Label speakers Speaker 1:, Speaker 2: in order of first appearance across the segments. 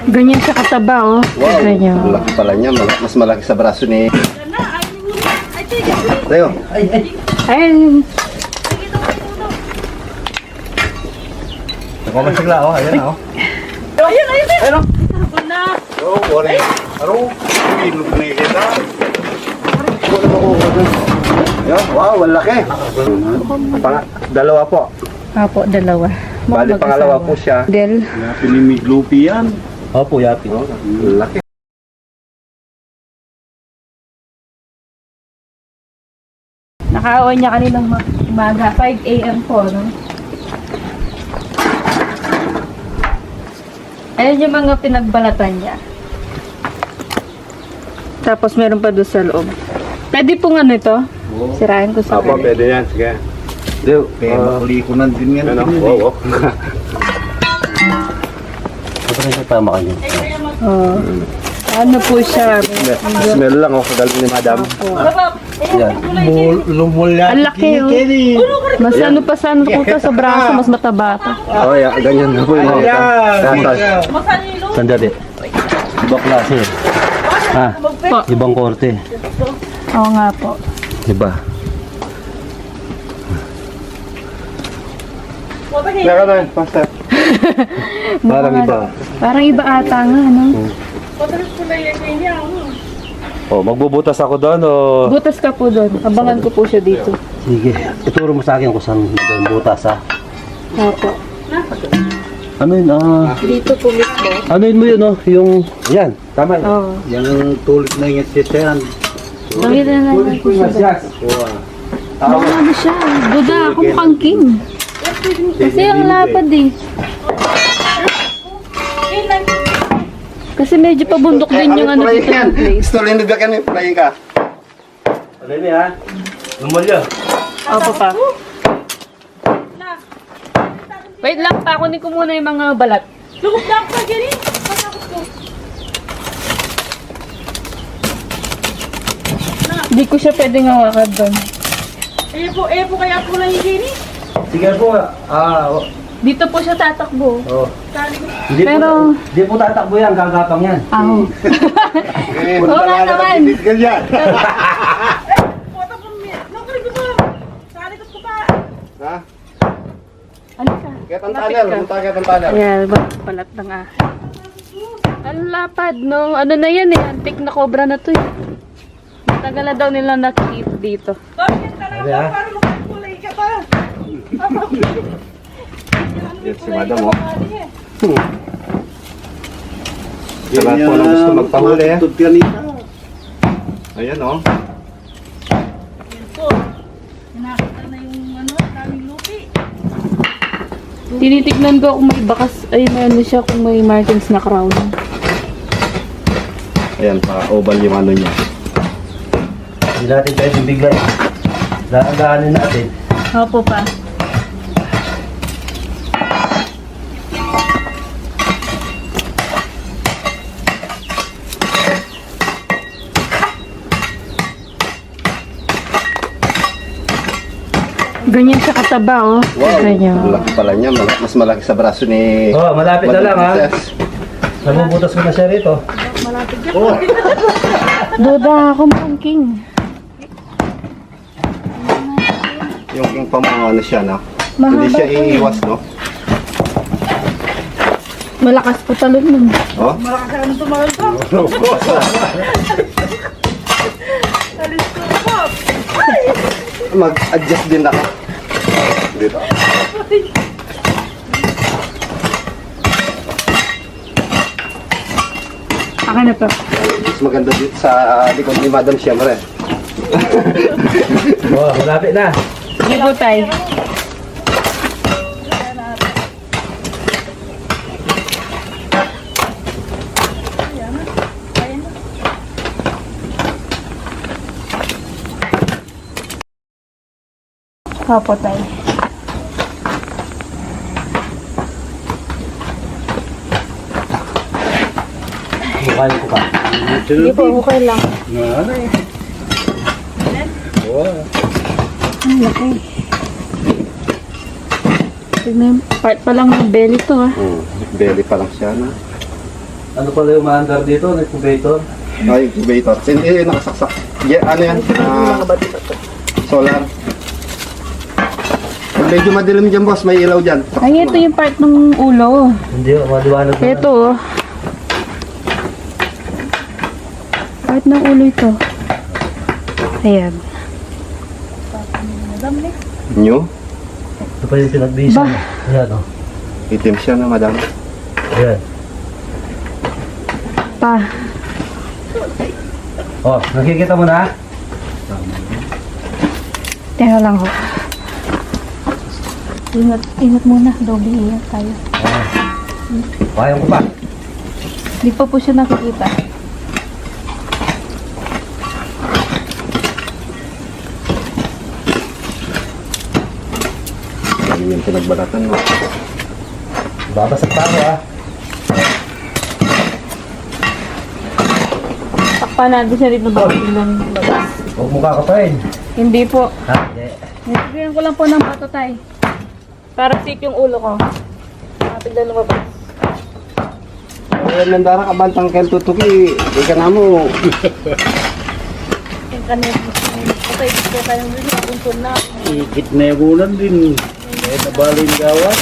Speaker 1: Ganyan siya kataba, oh.
Speaker 2: Wow,
Speaker 1: Ganyan.
Speaker 2: malaki pala niya. Mas malaki sa braso ni... Tayo.
Speaker 1: Ayun.
Speaker 2: Nakamasagla, oh. Ayan, oh.
Speaker 3: Ayun.
Speaker 2: Oh, wari. Aro, ilog na kita. Ayan, wow, malaki. Dalawa po.
Speaker 1: Apo, dalawa.
Speaker 2: Bali, pangalawa po siya.
Speaker 1: Del.
Speaker 2: Yapi ni Miglupi yan.
Speaker 4: Opo, yapi.
Speaker 2: Oh, laki.
Speaker 1: Nakaawan niya kaninang umaga. 5 a.m. po, no? Ayan yung mga pinagbalatan niya. Tapos meron pa doon sa loob. Pwede pong ano ito? Sirain ko sa
Speaker 2: Apo, pwede yan. Sige. Deo,
Speaker 4: Makulikunan din yan.
Speaker 2: ano? Wow, wow.
Speaker 4: Ito rin siya tama kanya.
Speaker 1: Oh. Ano po siya?
Speaker 2: Smell lang, oh. Kagaling ni Madam.
Speaker 4: Yan.
Speaker 1: Ang laki, oh. Mas ano pa sa ano ko to, sa braso, mas mataba pa.
Speaker 2: Oh, yeah, ganyan na po yun.
Speaker 4: Sandali. Ibang klase. Ha?
Speaker 1: Po.
Speaker 4: Ibang korte.
Speaker 1: Oo nga po.
Speaker 4: Iba.
Speaker 2: Naka na, pastor.
Speaker 4: Parang iba.
Speaker 1: Parang iba ata nga, no?
Speaker 4: Oh, magbubutas ako doon o...
Speaker 1: Butas ka po doon. Abangan ko po siya dito.
Speaker 4: Sige. Ituro mo sa akin kung saan doon butas ha.
Speaker 1: Opo.
Speaker 4: Ano yun?
Speaker 1: Dito po mismo.
Speaker 4: Ano yun mo yun oh? Yung... Yan. Tama yun.
Speaker 1: Oo.
Speaker 4: Yung tulad na yung sisyan.
Speaker 1: Nakita na naman po siya. Baka ano siya. Duda ako mukhang king. Kasi ang lapad eh. Kasi medyo pabundok din yung ano dito ng place.
Speaker 2: Gusto rin nagdagan yung frying ka.
Speaker 4: Ano yun ha? Lumulyo.
Speaker 1: Opo pa. Wait lang pa, kunin ko muna yung mga balat.
Speaker 3: Lugog na ako sa gini. Matakot ko.
Speaker 1: Hindi ko siya pwedeng hawakan doon.
Speaker 3: Eh po kaya po lang yung gini.
Speaker 4: Sige po.
Speaker 1: Dito po siya tatakbo.
Speaker 4: Oh.
Speaker 3: Sabi ko,
Speaker 4: Hindi
Speaker 1: Pero-
Speaker 4: po, hindi po tatakbo yan. Gagapang yan.
Speaker 1: Aho. Oo nga naman.
Speaker 2: Ganyan.
Speaker 3: puta po, nakulit ko pa. Salikot ko pa.
Speaker 2: Ha?
Speaker 1: Ano ka?
Speaker 2: Ketang tunnel. Punta ketang tunnel.
Speaker 1: Ayan, balat ng ahas. Ang lapad, no? Ano na yan eh? Antik na cobra na to eh. Matagal na daw nila nakikip dito.
Speaker 3: Bakit talaga
Speaker 4: Sabi, ha?
Speaker 3: para makakulay ka pa.
Speaker 2: Yan si Madam, oh. Sa lahat po na gusto magpahuli, eh. Ayan, oh.
Speaker 3: Yan po. Nakita na yung ano, daming lupi.
Speaker 1: Tinitignan ko kung may bakas, ay may ano siya, kung may markings na crown.
Speaker 2: Ayan, pa-oval yung ano niya.
Speaker 4: Hindi natin tayo bibigay. Daanin natin.
Speaker 1: Opo pa. Ganyan siya kataba, oh.
Speaker 2: Wow,
Speaker 1: Ganyan.
Speaker 2: malaki pala niya. Mas malaki sa braso ni...
Speaker 4: Oh, malapit na
Speaker 2: Madam
Speaker 4: lang ha.
Speaker 2: Princess.
Speaker 4: Nabubutas ko na siya rito.
Speaker 2: Oh,
Speaker 1: Duda ako mukhang king.
Speaker 2: yung king pa mga ano siya, no?
Speaker 1: Mahaba
Speaker 2: Hindi siya
Speaker 1: po yun.
Speaker 2: iiwas, no?
Speaker 1: Malakas po talon nun.
Speaker 2: Oh?
Speaker 3: Malakas ka naman tumagal ko. Alis ko po.
Speaker 2: Mag-adjust din ako. Dito.
Speaker 1: Akin na pa.
Speaker 2: Mas maganda dito sa likod ni Madam siyempre.
Speaker 4: Oh, malapit na.
Speaker 1: Sige po tayo. Opo tayo.
Speaker 4: Bukayin ko pa.
Speaker 1: Hindi po, okay lang. Ang laki. Tignan, part pa lang ng belly to ah.
Speaker 2: Belly pa lang siya, no?
Speaker 4: Ano pala yung maandar dito? Incubator?
Speaker 2: Ay, incubator. Hindi, nakasaksak. Yeah, ano yan? Solar. Pag medyo madilim dyan, boss, may ilaw dyan.
Speaker 1: Ay, ito yung part ng ulo.
Speaker 4: Hindi, maliwanag na.
Speaker 1: Ito, oh. Part ng ulo ito. Ayan.
Speaker 2: New?
Speaker 4: Ito pa yung pinagbisa.
Speaker 1: Ba?
Speaker 4: Ayan, oh.
Speaker 2: Itim siya na, madam.
Speaker 4: Ayan.
Speaker 1: Pa.
Speaker 4: Oh, nakikita mo na?
Speaker 1: Teka lang ho. Ingat muna. Doble ingat tayo.
Speaker 4: Kaya ko pa.
Speaker 1: Di pa po siya nakikita.
Speaker 2: Ano yung pinagbalatan mo?
Speaker 4: Babasag pa ako, ah.
Speaker 1: Takpan natin siya rito ba? Tingnan labas.
Speaker 4: Huwag mo kakapain.
Speaker 1: Hindi po.
Speaker 4: Ha? Hindi.
Speaker 1: Nilagyan ko lang po ng bato tay. Para safe yung ulo ko. Tignan lumabas.
Speaker 2: Ayan, nandara ka bantang kel tutuki. Ika na mo.
Speaker 1: Yung kanina. Okay, kaya tayong rin. Nakuntun na.
Speaker 5: Ikit na yagunan din. Eh, nabalin gawat.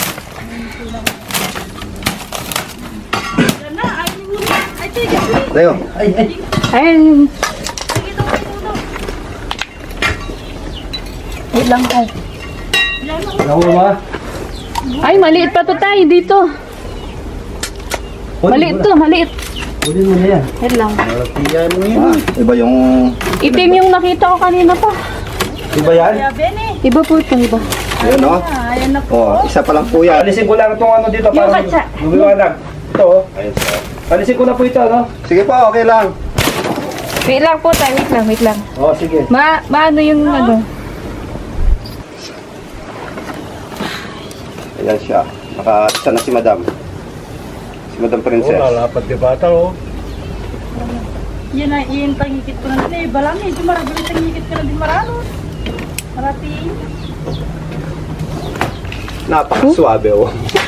Speaker 2: Tayo.
Speaker 1: Ayun. Wait lang tay.
Speaker 4: Nakuha mo, ah.
Speaker 1: Ay, maliit pa to tay dito. Maliit to, maliit.
Speaker 4: Kunin mo na yan.
Speaker 1: Wait lang.
Speaker 5: Malatiyan mo yun.
Speaker 2: Iba yung...
Speaker 1: Itim yung nakita ko kanina pa.
Speaker 4: Diba yan?
Speaker 1: Iba po ito, iba.
Speaker 2: Ayan, o. Oh, isa pa lang po yan.
Speaker 4: Alisin ko lang itong ano dito
Speaker 1: Yung
Speaker 4: para
Speaker 1: katsa.
Speaker 4: lumiwanag. Ito, oh.
Speaker 2: Ayun, sir.
Speaker 4: Alisin ko na po ito, no?
Speaker 2: Sige po, okay lang.
Speaker 1: Wait lang po tay, wait lang.
Speaker 4: Oh, sige.
Speaker 1: Maano yung ano?
Speaker 2: Ayan siya. Naka-isa na si madam. Si madam
Speaker 5: Oh,
Speaker 2: princess.
Speaker 5: lalapat di bata, oh.
Speaker 3: Yan na, yung tangikit ko na din. Balang eh, di maragulong tangikit ko na din marano. Marating.
Speaker 2: Napakaswabe, oh.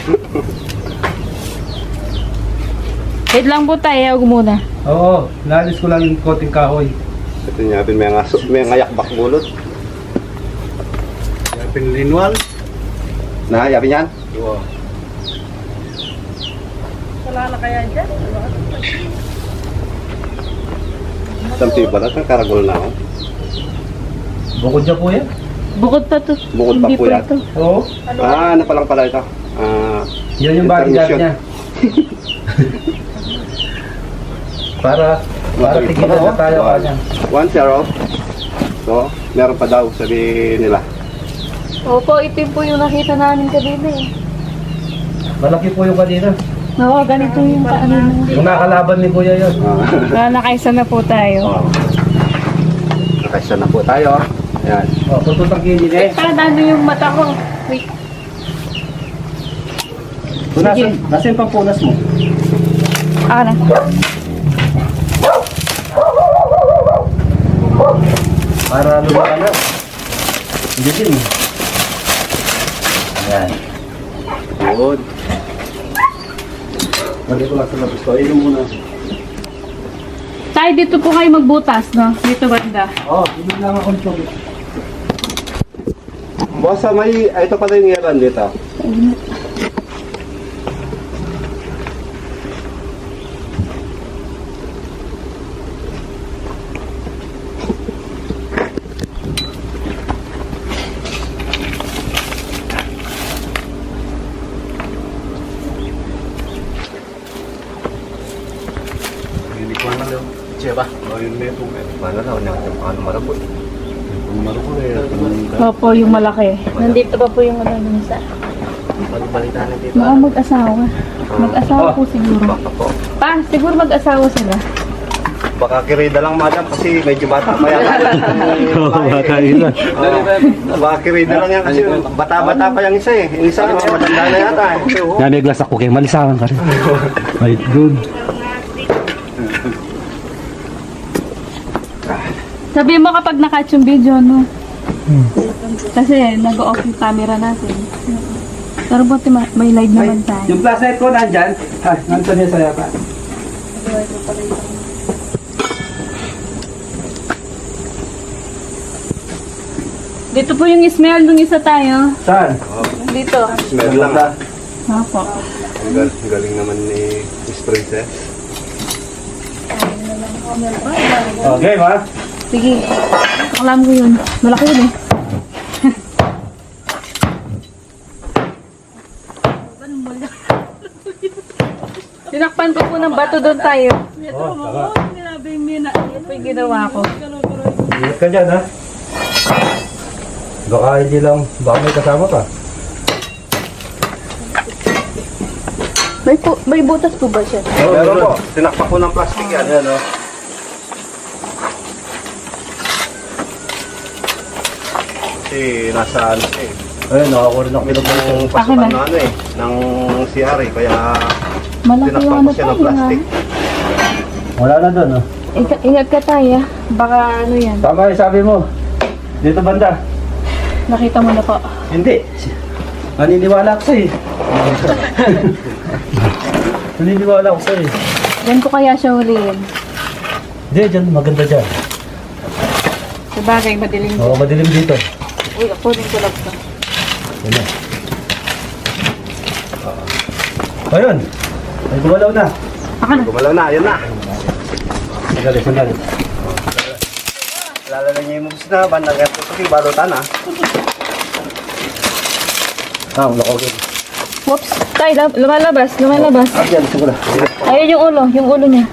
Speaker 1: Wait lang po tayo, huwag muna.
Speaker 4: Oo, naalis ko lang yung konting kahoy.
Speaker 2: Ito niya, may ngayakbak bulot.
Speaker 5: Kaya pinlinwal.
Speaker 2: Na, yabi niyan?
Speaker 5: Wow.
Speaker 3: Wala na kaya dyan.
Speaker 2: Sampi ba na? Karagol na ako.
Speaker 4: Bukod dyan po yan.
Speaker 1: Bukod pa to.
Speaker 2: Bukod pa
Speaker 1: Hindi
Speaker 2: po yan.
Speaker 1: ito.
Speaker 4: Oo.
Speaker 2: Ano pa lang pala ito?
Speaker 4: Yan yung bodyguard
Speaker 2: Intermission.
Speaker 4: niya. para tigilan na tayo kanya.
Speaker 2: 1-0. So, meron pa daw, sabi nila.
Speaker 1: Opo, itim po yung nakita namin kanina eh.
Speaker 4: Malaki po yung kanina.
Speaker 1: Oo, ganito yung paano mo.
Speaker 4: Yung nakalaban ni Kuya yun.
Speaker 1: Nakaisa na po tayo.
Speaker 2: Nakaisa na po tayo. Ayan.
Speaker 4: Oh, tututang kini eh.
Speaker 1: Parang ano yung mata ko. Wait.
Speaker 4: Nasa yung pampunas mo?
Speaker 1: Ah, na.
Speaker 4: Para lumakan na. Hindi din. Ayan.
Speaker 2: Good.
Speaker 4: Lagi ko lang sa labas ko. Ayun muna.
Speaker 1: Tayo dito po kayo magbutas, no? Dito banda.
Speaker 4: Oh, hindi lang ako nito.
Speaker 2: Boss, ito pala yung iran dito.
Speaker 5: Hindi ko na lang. Siya ba? Oh, yun na ito.
Speaker 2: Paano na? Ano marabot?
Speaker 5: Kung marunong eh.
Speaker 1: Opo, yung malaki. Nandito pa po yung ano yung isa.
Speaker 2: Pagbalitaan na dito.
Speaker 1: Baka mag-asawa. Mag-asawa po siguro.
Speaker 2: Baka po.
Speaker 1: Pa, siguro mag-asawa sila.
Speaker 2: Baka kirida lang, madam, kasi medyo bata pa yan.
Speaker 5: Bata yun lang.
Speaker 2: Baka kirida lang yan kasi bata-bata pa yung isa eh. Yung isa, matanda na yata eh.
Speaker 5: Naniglas ako kay malisakan ka rin. Right, good.
Speaker 1: Sabi mo kapag na-catch yung video, no? Kasi nag-off yung camera natin. Pero buti may live naman tayo.
Speaker 4: Yung flashlight ko nandyan. Ha, nandun niya sa yata.
Speaker 1: Dito po yung smell nung isa tayo.
Speaker 4: Saan?
Speaker 1: Dito.
Speaker 2: Smell lang.
Speaker 1: Opo.
Speaker 2: Ang galing naman ni Miss Princess.
Speaker 4: Okay, ma?
Speaker 1: Sige. Alam ko yun. Malaki yun eh. Tinakpan ko po ng bato doon tayo.
Speaker 4: Oh, tama.
Speaker 1: Ito po yung ginawa ko.
Speaker 4: Ingat ka dyan, ha? Baka hindi lang, baka may kasama ka.
Speaker 1: May butas po ba siya?
Speaker 2: Meron po. Tinakpak ko ng plastic yan.
Speaker 4: Ayan, oh.
Speaker 2: Kasi nasa ano siya eh.
Speaker 4: Ayun, nakakuha rin ako
Speaker 2: Yung
Speaker 1: Akin
Speaker 2: pasukan
Speaker 1: na.
Speaker 2: na ano eh. Ng CR eh. Kaya
Speaker 1: Malaki
Speaker 2: tinakpak
Speaker 1: yung
Speaker 2: ko
Speaker 1: ano
Speaker 2: siya ng
Speaker 1: tayo.
Speaker 2: plastic.
Speaker 4: Wala na doon, oh.
Speaker 1: Ingat ka tayo. Baka ano yan.
Speaker 4: Tama yung sabi mo. Dito banda.
Speaker 1: Nakita mo na po.
Speaker 4: Hindi. Naniniwala ako sa'yo. Naniniwala ako sa'yo.
Speaker 1: Diyan ko kaya siya huliin.
Speaker 4: Hindi, dyan. Maganda dyan.
Speaker 1: Sabagay, madilim.
Speaker 4: Oo, madilim dito.
Speaker 1: Uy, ako din ko lang to.
Speaker 4: Yan na. Ayun. Ay, gumalaw na.
Speaker 1: Ako na.
Speaker 2: Gumalaw na. Ayan na.
Speaker 4: Sandali, sandali.
Speaker 2: Lalala niya yung moves na. Bandang ganito. Kasi balutan ah.
Speaker 4: Ah, ang lako.
Speaker 1: Whoops. Tayo, lumalabas. Lumalabas.
Speaker 4: Ah, dyan. Siguro.
Speaker 1: Ayun yung ulo. Yung ulo niya.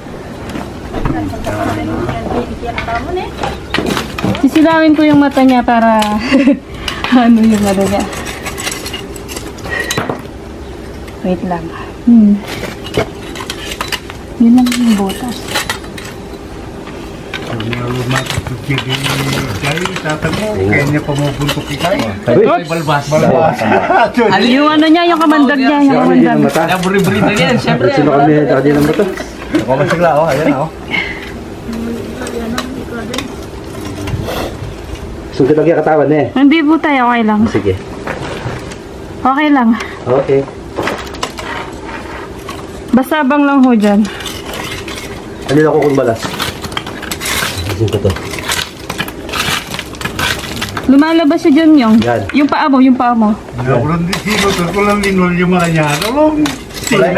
Speaker 1: Sisilawin ko yung mata niya para ano yung ano niya. Wait lang. Yun lang yung butas.
Speaker 5: Kaya niya pumupuntok ikay.
Speaker 4: Ay,
Speaker 5: Balbas.
Speaker 1: Yung ano niya, yung kamandag niya, yung kamandag.
Speaker 4: mata.
Speaker 5: Buri-buri na yan, syempre.
Speaker 4: Sino kami? Saka din ang mata.
Speaker 2: Ako masigla oh. Ayan oh.
Speaker 4: Sungkit lagi ang katawan eh.
Speaker 1: Hindi po tayo, okay lang.
Speaker 4: Sige.
Speaker 1: Okay lang.
Speaker 4: Okay.
Speaker 1: Basta abang lang ho dyan.
Speaker 4: Ano na ako kung balas? Isin ko to.
Speaker 1: Lumalabas siya dyan yung.
Speaker 4: Yan.
Speaker 1: Yung paa mo, yung paa mo.
Speaker 5: Nakulang di sino, kulang linol yung mga niya. Alam,
Speaker 2: Ayan,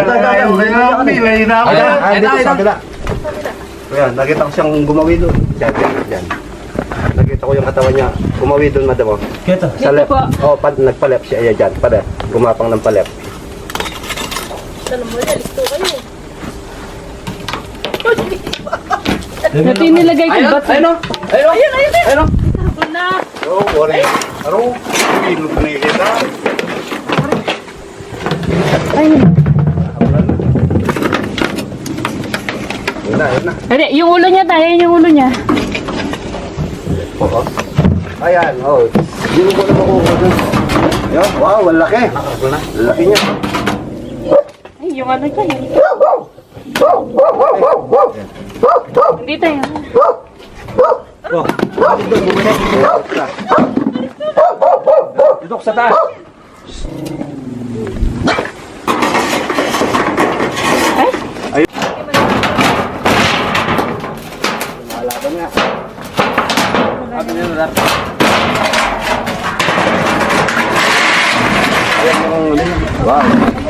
Speaker 2: dito sa kabila. Ayan, nakita ko siyang gumawi doon. Diyan. Nakita ko yung katawan niya. Gumawi doon, madam.
Speaker 4: Kito.
Speaker 2: Sa
Speaker 1: Dito
Speaker 2: left.
Speaker 1: po.
Speaker 2: Oh, nagpa-left siya. Ayan, dyan. Pala. Gumapang ng pa-left.
Speaker 1: Ito yung nilagay ko ba't?
Speaker 2: Oh, worry. Aro, ilog na kita.
Speaker 1: Ayun.
Speaker 2: Yun na.
Speaker 1: Hindi, yung ulo niya tayo, yung ulo niya.
Speaker 2: Oo. Ayan, oh. Hindi mo na makukuha doon. Ayan, wow, malaki. Laki niya.
Speaker 1: Ay, yung ano niya, yun. Hindi tayo.
Speaker 2: Oh, dito, bumalik.
Speaker 4: Dito sa taas.
Speaker 2: Malaban niya. Wow.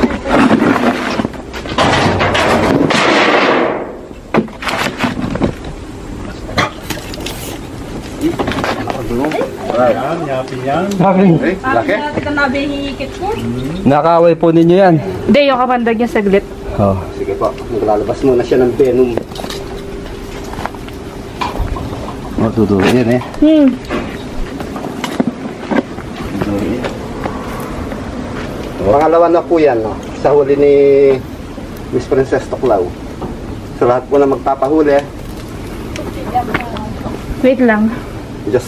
Speaker 5: Yan, yapin yan.
Speaker 2: Eh, laki.
Speaker 3: Ito na hihikit ko.
Speaker 4: Nakaway po ninyo yan.
Speaker 1: Hindi, yung kamandag niya saglit.
Speaker 4: Oh.
Speaker 2: Sige po, maglalabas muna siya ng venom.
Speaker 4: Matutuloy yan eh.
Speaker 2: Pangalawa na po yan, no? Sa huli ni Miss Princess Tuklaw. Sa lahat po na magpapahuli,
Speaker 1: Wait lang.
Speaker 2: just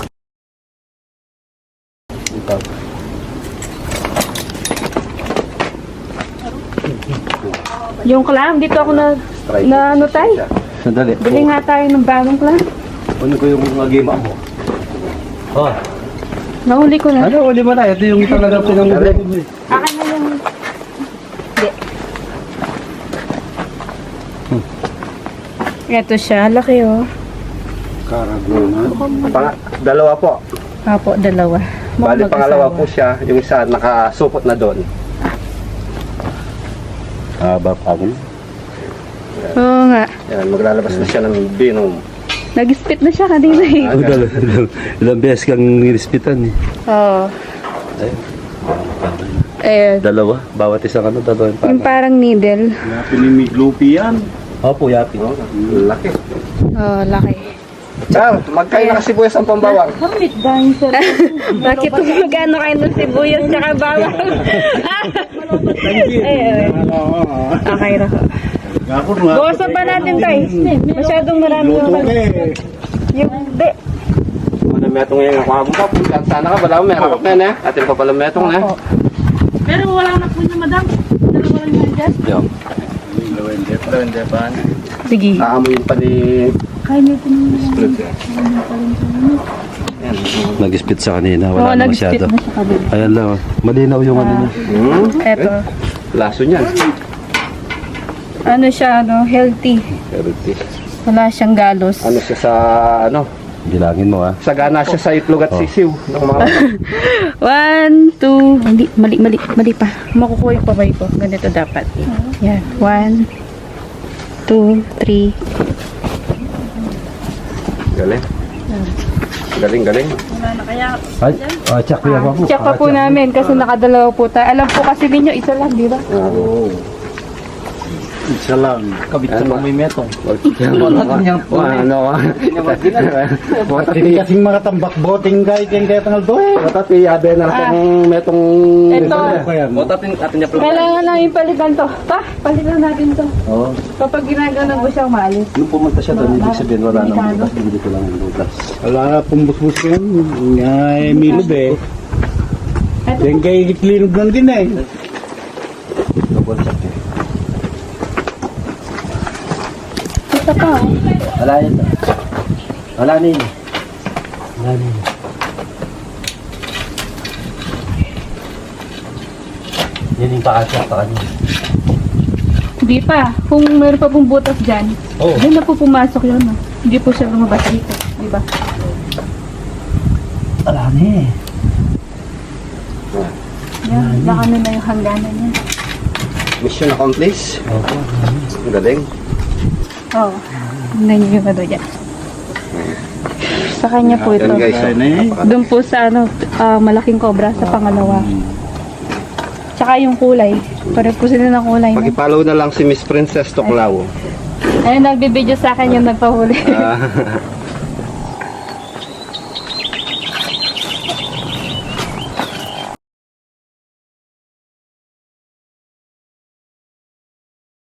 Speaker 1: Yung clam, dito ako
Speaker 2: try.
Speaker 1: na ano tayo.
Speaker 4: Sandali.
Speaker 1: Bili nga tayo ng bagong clam.
Speaker 4: Ano ko yung mga game mo? Oh.
Speaker 1: Nahuli ko na.
Speaker 4: Ano, uli mo na. Ito yung talaga pinangulit mo eh.
Speaker 1: Akin na yung... Hindi. Ito siya, laki oh.
Speaker 5: Karagunan.
Speaker 2: Dalawa po.
Speaker 1: Apo, dalawa.
Speaker 2: Bali,
Speaker 1: Mukhang
Speaker 2: pangalawa
Speaker 1: mag-asawa.
Speaker 2: po siya. Yung isa nakasupot na doon.
Speaker 5: Haba pa ako.
Speaker 1: Oo nga.
Speaker 2: Yan, maglalabas na siya ng binom.
Speaker 1: Nag-spit na siya kanina eh.
Speaker 4: Ilang beses kang nirispitan eh.
Speaker 1: Oo.
Speaker 4: Ay,
Speaker 1: Eh,
Speaker 4: dalawa. Bawat isang ano, dalawa yung
Speaker 1: yung
Speaker 4: parang.
Speaker 1: parang needle.
Speaker 5: Pinimiglupi yan.
Speaker 4: Opo, yapi.
Speaker 2: Oh, laki.
Speaker 1: Oh, laki.
Speaker 2: Sir, magkain na kasi sibuyas ang pambawang.
Speaker 3: Kapit dahil sa
Speaker 1: Bakit magkano kayo ng sibuyas tsaka bawang? Eh, okay na ko.
Speaker 5: Ako nga.
Speaker 1: Bawasan pa natin tayo. Masyadong marami yung
Speaker 5: Luto eh.
Speaker 1: Yung, di.
Speaker 2: Malametong yan ako habang pa. Sana ka, wala mo, meron ka na. Atin pa pala metong na.
Speaker 3: Pero wala na po niya, madam. Dalawa lang yan dyan.
Speaker 4: Yung.
Speaker 1: Sige.
Speaker 2: Aamoyin pa ni...
Speaker 3: Kaya niyo po niya.
Speaker 2: Yan.
Speaker 4: Nag-spit sa kanina.
Speaker 1: Oo,
Speaker 4: Wala na
Speaker 1: nag-spit
Speaker 4: masyado.
Speaker 1: na siya kabila.
Speaker 4: Ayan lang. Oh. Malinaw yung ano niya.
Speaker 1: Eto.
Speaker 2: Laso niyan.
Speaker 1: Ano siya, ano, healthy. Wala siyang galos.
Speaker 2: Ano siya sa... ano?
Speaker 4: Bilangin mo ha.
Speaker 2: Sagana siya sa itlog at sisiw. Ng mga...
Speaker 1: 1, 2, hindi, mali pa. Makukuha yung pabay ko. Ganito dapat. Yan. 1, 2, 3.
Speaker 2: Galing. Galing.
Speaker 3: Wala na kaya.
Speaker 4: Ay, check ko yan po.
Speaker 1: Check pa po namin kasi nakadalawa po tayo. Alam po kasi ninyo, isa lang, di ba?
Speaker 5: Oo. Isa lang.
Speaker 2: Kabit sa may metong. Ano?
Speaker 5: Hindi kasing mga tambak boting kahit yan kaya tangal doon.
Speaker 2: Matati, abe na akong metong...
Speaker 1: Ito. Kailangan namin palitan to. Pa, palitan natin to.
Speaker 4: Oo.
Speaker 1: Kapag ginaganon mo siya, umalis.
Speaker 4: Nung pumunta siya doon, ibig sabihin wala nang butas. Hindi ko lang ang butas.
Speaker 5: Wala na pong busbus yan. Nga milog eh. Yan kay iklinog lang din eh.
Speaker 4: Double check eh.
Speaker 1: Ito pa.
Speaker 4: Wala yun. Wala na yun. Wala na yun. Yan yung pakasya pa kanina.
Speaker 1: Hindi pa. Kung meron pa pong butas dyan,
Speaker 4: Oo.
Speaker 1: doon na po pumasok yun. No? Hindi po siya lumabas dito. Di ba?
Speaker 4: Wala na eh.
Speaker 1: Yan. Baka na yung hangganan niya.
Speaker 2: Mission accomplished.
Speaker 4: Opo.
Speaker 2: Ang galing.
Speaker 1: Oo. Tingnan niyo yung ano dyan. Sa kanya po ito.
Speaker 2: Yan guys.
Speaker 5: Kaya na eh.
Speaker 1: Doon po sa ano, malaking cobra sa pangalawa. Tsaka yung kulay. Pare po sila ng kulay. No?
Speaker 2: Pag-follow na lang si Miss Princess Toklao.
Speaker 1: Ayun, nagbibideo sa akin yung nagpahuli.